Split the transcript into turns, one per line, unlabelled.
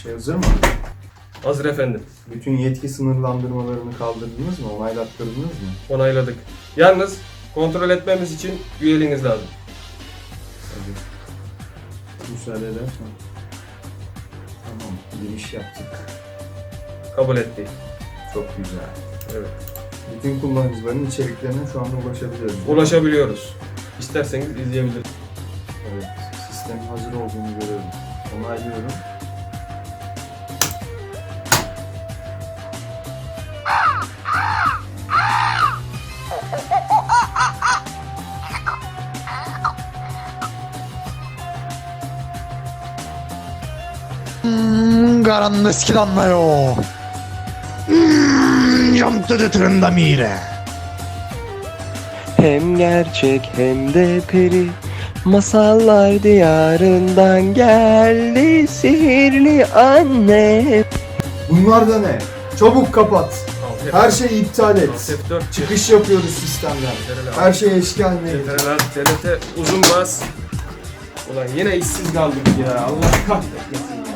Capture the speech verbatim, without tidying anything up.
şey hazır mı?
Hazır efendim.
Bütün yetki sınırlandırmalarını kaldırdınız mı? Onaylattırdınız mı?
Onayladık. Yalnız kontrol etmemiz için üyeliğiniz lazım.
Hadi. Müsaade edersen. Tamam, giriş yaptık.
Kabul etti.
Çok güzel.
Evet.
Bütün kullanıcıların içeriklerine şu anda ulaşabiliyoruz.
Ulaşabiliyoruz. İsterseniz izleyebiliriz.
Evet, sistemin hazır olduğunu görüyorum. Onaylıyorum.
음, 가란데 스키단나요. 음, 염뜨드 트른다미래.
Hem gerçek hem de peri, masallar diyarından geldi sihirli anne.
Bunlar da ne? Çabuk kapat.
Alt
Her
F-
şeyi iptal et.
Alt F dört.
Çıkış yapıyoruz sistemden. Her şey eşki haline getir.
Ctrl Alt, D L T uzun bas. Ulan yine işsiz kaldık ya. Allah kahretmesin.